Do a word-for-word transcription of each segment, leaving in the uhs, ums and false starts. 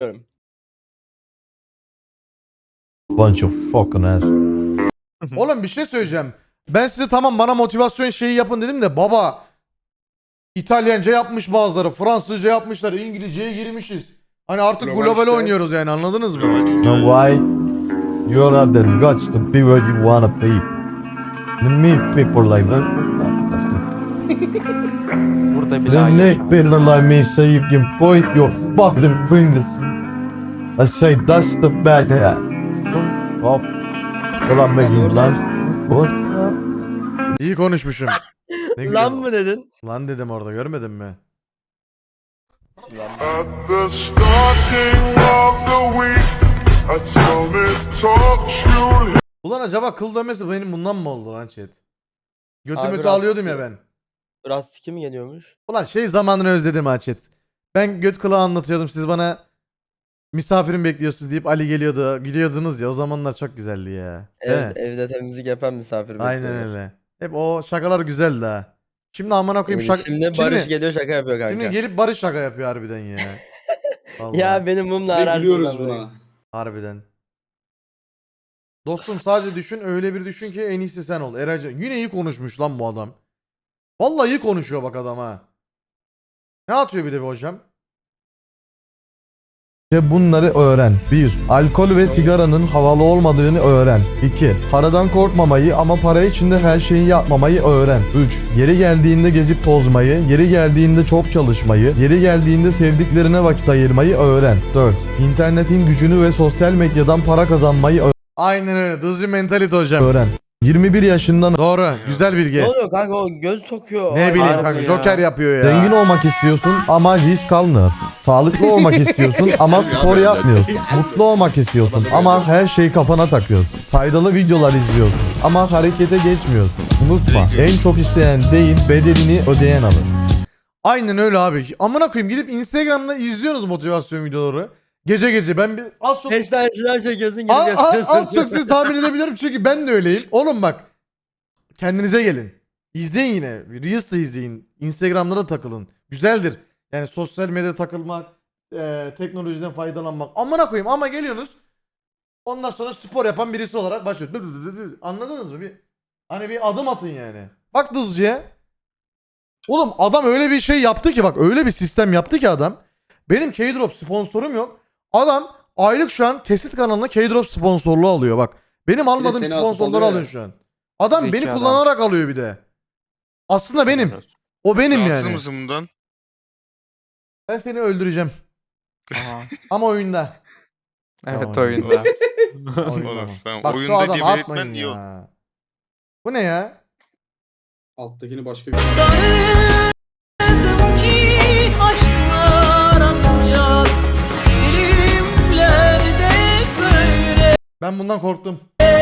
Bunch of fucking ass. Oğlum bir şey söyleyeceğim. Ben size tamam bana motivasyon şeyi yapın dedim de baba İtalyanca yapmış bazıları, Fransızca yapmışlar, İngilizceye girmişiz. Hani artık Global global işte. oynuyoruz yani, anladınız mı? Now why you have the guts to be where you wanna be? The meet people like that. Burada bile The hayır neck şu an. people like me say you can point your fucking fingers. I say that's the bad hat. Hop. Ulan be you lan. What? İyi konuşmuşum. Ne güzel. Lan mı dedin? Lan dedim orada, görmedin mi? Lan. At the starting of the week, I tell me talk should Ulan acaba kıl dönmesi benim bundan mı oldu lan chat? Götümü Abi alıyordum ya rahatsız- ben. Rastiki mi geliyormuş? Ulan şey zamanını özledim ha chat. Ben göt kulağı anlatıyordum, siz bana misafirim bekliyorsunuz deyip Ali geliyordu. Gidiyordunuz ya, o zamanlar çok güzeldi ya. Değil Ev, mi? evde temizlik yapan misafir Aynen bekliyor. öyle. Hep o şakalar güzeldi ha. Şimdi amına koyayım Öyle. şaka... Şimdi Barış geliyor şaka yapıyor kanka. Şimdi gelip Barış şaka yapıyor harbiden ya. Vallahi. Ya benim mumla Ve ararsın gülüyoruz lan buna. Harbiden. Dostum sadece düşün, öyle bir düşün ki en iyisi sen ol. Eracan yine iyi konuşmuş lan bu adam. Vallahi iyi konuşuyor bak adam ha. Ne atıyor bir de bir hocam? İşte bunları öğren. bir. Alkol ve sigaranın havalı olmadığını öğren. iki. Paradan korkmamayı ama para için de her şeyi yapmamayı öğren. üç. Yeri geldiğinde gezip tozmayı, yeri geldiğinde çok çalışmayı, yeri geldiğinde sevdiklerine vakit ayırmayı öğren. dört. İnternetin gücünü ve sosyal medyadan para kazanmayı ö- Aynen öyle. Dızcı mentalite hocam. öğren. yirmi bir yaşından Doğru. Güzel bilgi. Ne oluyor kanka, o göz sokuyor. Ne Ay, bileyim harbi kanka, ya. Joker yapıyor ya. zengin olmak istiyorsun ama risk almıyor. Sağlıklı olmak istiyorsun ama spor yapmıyorsun. Mutlu olmak istiyorsun ama her şeyi kafana takıyorsun. Faydalı videolar izliyorsun ama harekete geçmiyorsun. Unutma, en çok isteyen değil, bedelini ödeyen alır. Aynen öyle abi. Amına koyayım, gidip Instagram'da izliyorsunuz motivasyon videoları. Gece gece ben bir az çok Beş tane şınav çekiyorsun gidip A- a- yapıyorsun. az çok siz tahmin edebilirim çünkü ben de öyleyim. Oğlum bak, kendinize gelin. İzleyin yine. Reels de izleyin. Instagram'da da takılın. Güzeldir. Yani sosyal medyada takılmak, e, teknolojiden faydalanmak. Amına koyayım ama geliyorsunuz. Ondan sonra spor yapan birisi olarak başlıyor. Dı dı dı dı dı. Anladınız mı? Bir, hani bir adım atın yani. Bak Dızcı'ya. Oğlum adam öyle bir şey yaptı ki, bak öyle bir sistem yaptı ki adam. Benim K-Drop sponsorum yok. Adam aylık şu an Kesit kanalına K-Drop sponsorluğu alıyor bak. Benim almadığım seni atıp sponsorları alıyor alıyor ya. şu an. Adam Zeki beni adam. kullanarak alıyor bir de. Aslında benim. O benim Rahatsız yani. mısın bundan? Ben seni öldüreceğim. Aha. Ama oyunda. Evet Tamam. oyunda. Oyunda Olur. ama. Ben Bak şu oyunda adam gebertmen atmayın iyi oldu. ya. Bu ne ya? Alttakini başka bir Sarıldım ki aşklar ancak filmlerde böyle. Ben bundan korktum.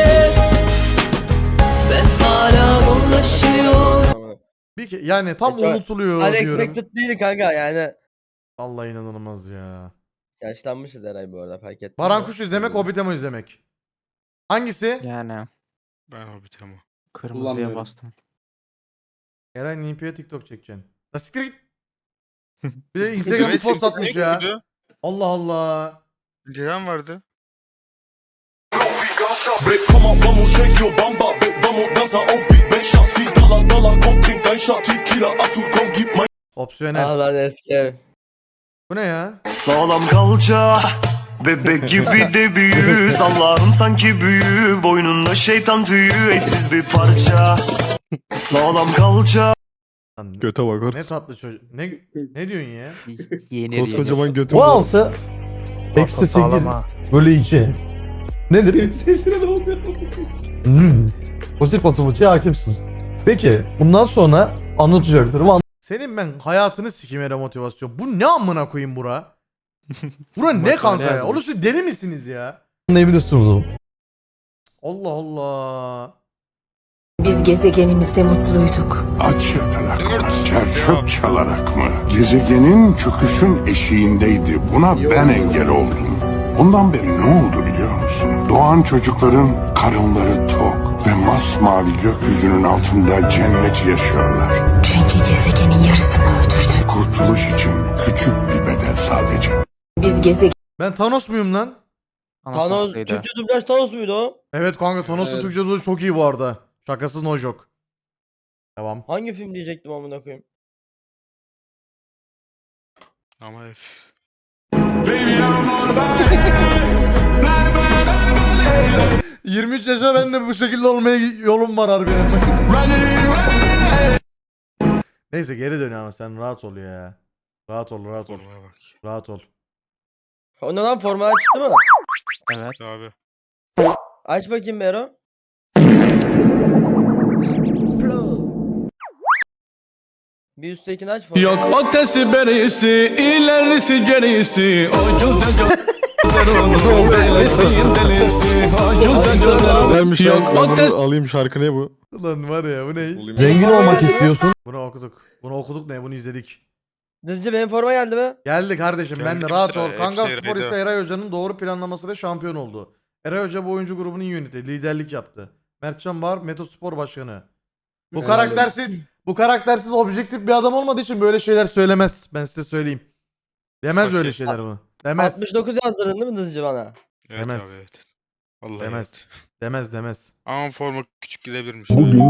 Ben hala dolaşıyorum. Bir ke- yani tam Çok- unutuluyor diyorum. Unexpected değil kanka yani. Allah inanılmaz ya. Yaşlanmışız Eray bu arada, fark ettim. Baran Kuş izlemek, Hobbit Emo izlemek. Hangisi? Yani Ben Hobbit ama. kırmızıya Kullanmıyorum. bastım. Eray Nimpi'ye TikTok çekeceksin. La siktir git. Bir de Instagram'a Evet, post senin atmış ne ya. gördü? Allah Allah. Önceden vardı. Babe, komm mal, vamos, shake your bamba. Babe, vamos, danza auf Beat. Make shots wie Dollar, Dollar. Komm, trink ein Shot, Tequila, Asu, komm, gib mein. Opsiyonel. Ah lan eski ev. Bu ne ya? Sağlam kalça, bebek gibi de büyüz. Allah'ım sanki büyü, boynunda şeytan tüyü. Eşsiz bir parça. Sağlam kalça. Lan, Göte bak ne tatlı çocuk. Ne ne diyorsun ya? Yenir Koskocaman götüm Bu var. alsa eksi sekiz bölü iki. Nedir? Sesine ne oluyor? Hmm. Pozitif matematikçiye hakimsin. Peki bundan sonra anlatacaktır. Bu Senin ben hayatını sikeyim Eren motivasyon. Bu ne amına koyayım bura? Bura ne kanka ya? yazmış. Oğlum siz deli misiniz ya? anlayabilirsiniz o zaman. Allah Allah. Biz gezegenimizde mutluyduk. Aç yatarak mı? Dört. Çerçöp çalarak mı? Gezegenin çöküşün eşiğindeydi. Buna ben engel oldum. Ondan beri ne oldu biliyor musun? Doğan çocukların karınları tok ve masmavi gökyüzünün altında cennet yaşıyorlar. Çünkü gezegenin yarısını öldürdü. Kurtuluş için küçük bir bedel sadece. Biz gezegen Ben Thanos muyum lan? Thanos, haklıydı. Türkçe dublaj Thanos muydu o? Evet kanka Thanos'un Evet. Türkçe dublajı çok iyi bu arada. Şakasız no joke. Devam. Hangi film diyecektim amına koyayım? Ama F. yirmi üç yaşa ben de bu şekilde olmaya yolum var harbiden. Neyse geri dön ama sen rahat ol ya. Rahat ol rahat ol. Formaya bak. Rahat ol. O ne lan, formalar çıktı mı? Evet. Abi. Aç bakayım Bero. Bir üsttekini aç formayı. Yok ötesi berisi, ilerisi gerisi. O güzel gözlerin delisi delisi. O güzel Güzelmiş Yok, lan. Ben bunu ötesi- alayım şarkı ne bu? Ulan var ya bu ne? Zengin olmak istiyorsun. Bunu okuduk. Bunu okuduk ne? Bunu izledik. Dızcı benim forma geldi mi? Geldi kardeşim ben de Geldi rahat bize, ol. hepsi Kangal Spor Eray'da. ise Eray Hoca'nın doğru planlamasıyla şampiyon oldu. Eray Hoca bu oyuncu grubunun yöneti, liderlik yaptı. Mertcan Bahar Meto Spor Başkanı. Bu Evet. karaktersiz, bu karaktersiz objektif bir adam olmadığı için böyle şeyler söylemez. Ben size söyleyeyim. Demez Bak böyle ya. şeyler bunu. Demez. altmış dokuz yazdırdın değil mi Dızcı bana? Evet Demez. abi evet. Vallahi Demez. evet. Demez demez. Ama forma küçük gidebilirmiş. Bugün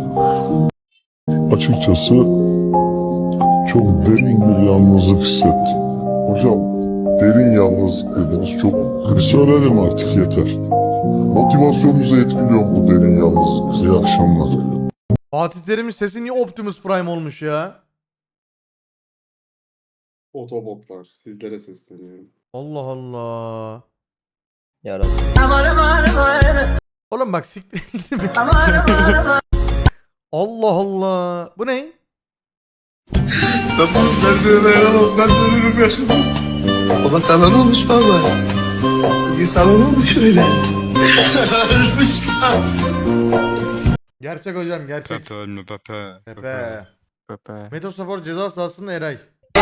açıkçası çok derin bir yalnızlık hissettim. Hocam derin yalnızlık dediniz çok. Söyledim artık yeter. Motivasyonunuzu etkiliyor bu derin yalnızlık. İyi akşamlar. Fatih Terim'in sesi niye Optimus Prime olmuş ya? Otobotlar. Sizlere sesleniyorum. Allah Allah. Yarın. Oğlum bak siktir. Allah Allah. Bu ne? Ben bunu dayanamam. Ben böyle bir yaşadım. Baba sana ne olmuş baba? Sana ne olmuş öyle? Ölmüşler. Gerçek hocam gerçek. Pepe ölme Pepe. Pepe. Pepe. Metospor ceza sahasında Eray.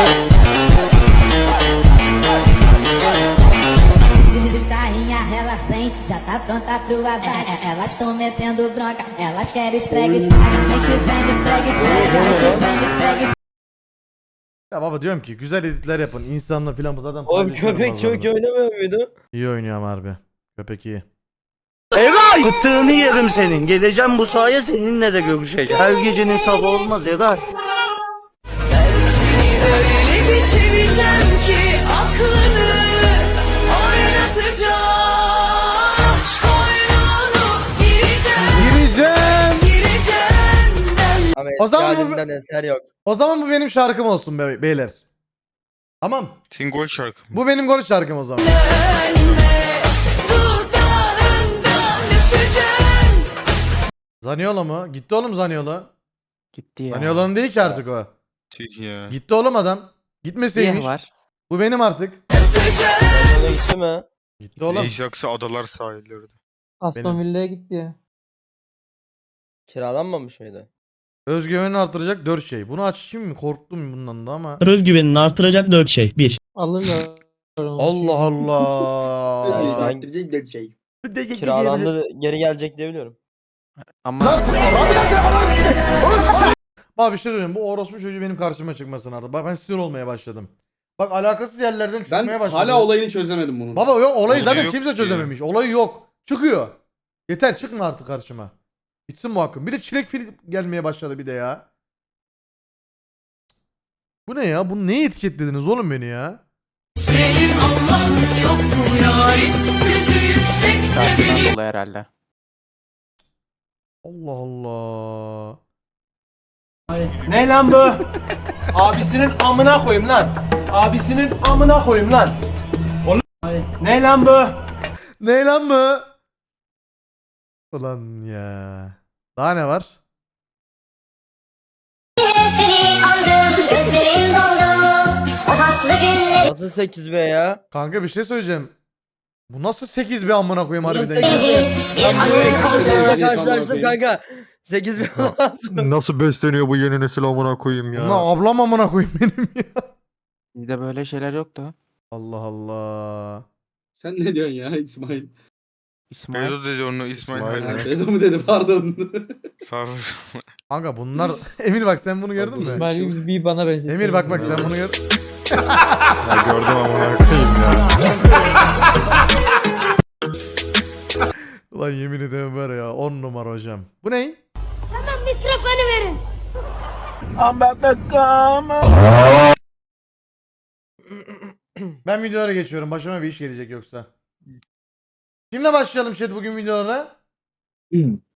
De sainha, ela vem, já tá pronta pro abate. Elas tão metendo bronca, elas querem esfregues. Vem que vem, esfregue, esfregue, vem que vem, esfregue. Ya baba diyorum ki güzel editler yapın. İnsanla filan bu zaten Oğlum paylaşıyorum köpek çok bazılarını. iyi oynamıyor muydu? İyi oynuyor ama harbi. Köpek iyi. Eray! Bıttığını yerim senin. Geleceğim bu sahaya seninle de görüşeceğim. Her gecenin sabah olmaz Eray. Seni öyle bir seveceğim ki aklını oynatacağım. Aşk oyununu gireceğim, Gireceğim. gireceğim ben. Ama O eski zaman bu- halinden eser yok. O zaman bu benim şarkım olsun be beyler. Tamam. Senin gol şarkı mı? Bu benim gol şarkım o zaman. Önüne dudağından öpeceğim. Zaniolo mu? Gitti oğlum Zaniolo. Gitti ya. Zaniolo'nun değil ki artık o. Tüh ya. Gitti oğlum adam. Gitmeseymiş. Niye var? Bu benim artık. Öyle gitti mi? Gitti oğlum. Ajax'ı adalar sahilleri. Benim. Villa'ya gitti ya. Kiralanmamış mıydı? Özgüvenini artıracak dört şey. Bunu açayım mı? Korktum bundan da ama. Özgüvenini artıracak dört şey. Bir. Alırlar. Allah Allah. Ben kiralandı geri gelecek diye biliyorum. Ama Bak bir şey söyleyeyim. Bu orospu çocuğu benim karşıma çıkmasın artık. Bak ben sinir olmaya başladım. Bak alakasız yerlerden Ben çıkmaya başladı. hala olayını çözemedim bunun. Baba yok olayı Olayı zaten yok kimse ki. çözememiş. Olayı yok. Çıkıyor. Yeter çıkma artık karşıma. Bitsin bu hakkım. Bir de çilek fil gelmeye başladı bir de ya. Bu ne ya? Bunu neye etiketlediniz oğlum beni ya? Senin Allah'ın yok mu yarim? Yüzü yüksekse sakin benim. oldu herhalde. Allah Allah. Ne lan bu? Abisinin amına koyayım lan. Abisinin amına koyayım lan. Oğlum. Ne lan bu? Ne lan bu? Ulan ya. Daha ne var? Seni aldım, gözlerim doldu. O tatlı günleri. Nasıl sekiz be ya? Kanka bir şey söyleyeceğim. Bu nasıl sekiz bir amına koyayım Nasıl harbiden sekiz ya? be? Ben Evet, böyle karşılaştım amına kanka. sekiz be lazım. Nasıl besleniyor bu yeni nesil amına koyayım ya? Ulan ablam amına koyayım benim ya. Bizde böyle şeyler yoktu. Allah Allah. Sen ne diyorsun ya İsmail? İsmail. Bedo dedi onu İsmail İsmail Haydar. Bedo mu dedi pardon. Sarı. Kanka bunlar Emir bak sen bunu gördün mü? İsmail bir bana benziyor. Emir bak bak sen bunu gör. Ya gördüm amına koyayım ya. Ulan yemin ederim var ya on numara hocam. Bu ne? Mikrofonu verin. Ben videolara geçiyorum. Başıma bir iş gelecek yoksa. Kimle başlayalım chat bugün videolara?